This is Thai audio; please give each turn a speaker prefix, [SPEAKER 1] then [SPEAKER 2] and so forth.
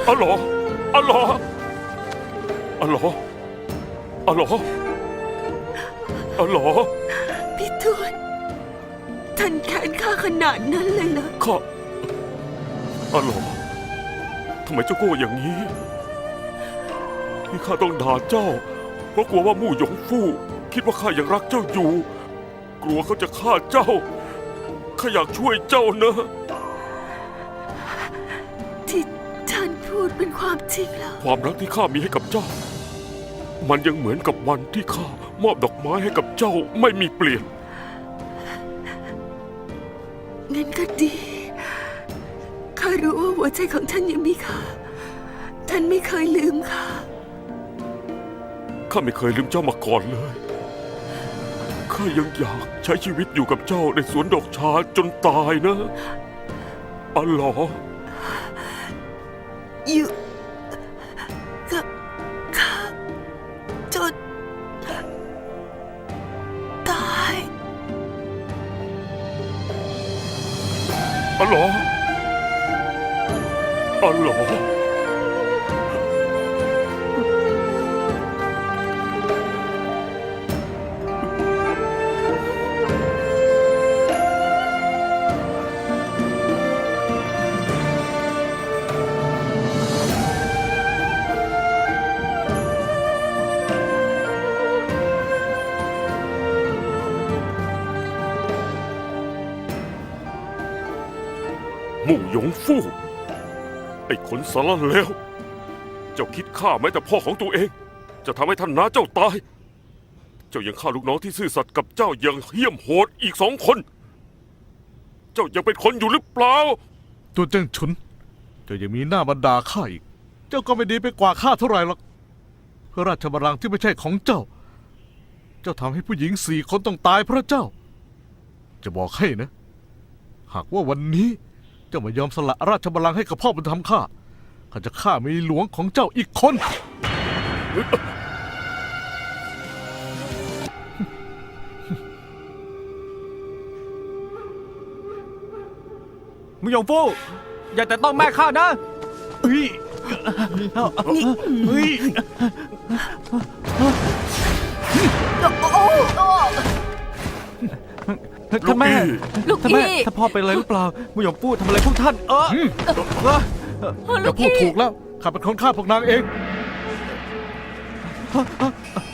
[SPEAKER 1] อ๋อเหรออ๋อเหรออ๋อเหรออ๋อเหรออ๋อเหรอ
[SPEAKER 2] พี่ทวดท่านแค้นข้าขนาดนั้นเลยเหรอ
[SPEAKER 1] ข้าอ๋อเหรอทำไมเจ้าโก้อย่างนี้ที่ข้าต้องด่าเจ้าเพราะกลัวว่ามู่หยงฟู่คิดว่าข้ายังรักเจ้าอยู่ กลัวเขาจะฆ่าเจ้าข้าอยากช่วยเจ้านะ
[SPEAKER 2] ที่ท่านพูดเป็นความจริงแล้ว
[SPEAKER 1] ความรักที่ข้ามีให้กับเจ้า มันยังเหมือนกับวันที่ข้ามอบดอกไม้ให้กับเจ้าไม่มีเปลี่ยน
[SPEAKER 2] งั้นก็ดีข้ารู้ว่าหัวใจของท่านยังมีค่าท่านไม่เคยลืมข้า
[SPEAKER 1] ข้าไม่เคยลืมเจ้ามาก่อนเลย ข้ายังอยากใช้ชีวิตอยู่กับเจ้าในสวนดอกชาจนตายนะอ๋อเหรอ
[SPEAKER 2] อยู่กับข้าจนตาย
[SPEAKER 1] อ๋อเหรออ๋อเหรอมู่หยงฟู่ไอ้คนสารเลวเจ้าคิดฆ่าแม้แต่พ่อของตัวเอง จะทำให้ท่านน้าเจ้าตาย เจ้ายังฆ่าลูกน้องที่ซื่อสัตย์กับเจ้าอย่างเหี้ยมโหดอีก2 คน เจ้ายังเป็นคนอยู่หรือเปล่า
[SPEAKER 3] ตัวเจ้าฉุนเจ้ายังมีหน้ามาด่าข้าอีก เจ้าก็ไม่ดีไปกว่าข้าเท่าไหร่หรอกเพื่อราชบัลลังก์ที่ไม่ใช่ของเจ้า เจ้าทำให้ผู้หญิง4 คนต้องตายเพราะเจ้า จะบอกให้นะ หากว่าวันนี้เจ้าไม่ยอมสละราชบัลลังก์ให้กับพ่อบุญธรรมข้าจะฆ่าเมียหลวงของเจ้าอีกคน
[SPEAKER 4] มึงหยงฟู่อย่าแต่ต้องแม่ข้านะเฮ้ย
[SPEAKER 2] นี่
[SPEAKER 4] เฮ้ย ท่านแม่
[SPEAKER 2] ลูก
[SPEAKER 4] ท่าน
[SPEAKER 2] พี่
[SPEAKER 4] แม่ท่านพ่อเป็นอะไรหรือเปล่ามึงหยงฟู่ทำอะไรพวกท่าน
[SPEAKER 2] ลู
[SPEAKER 3] อย่าก พูด
[SPEAKER 2] พี่
[SPEAKER 3] ถูกแล้วข้าเป็นคนฆ่าพวกนางเอง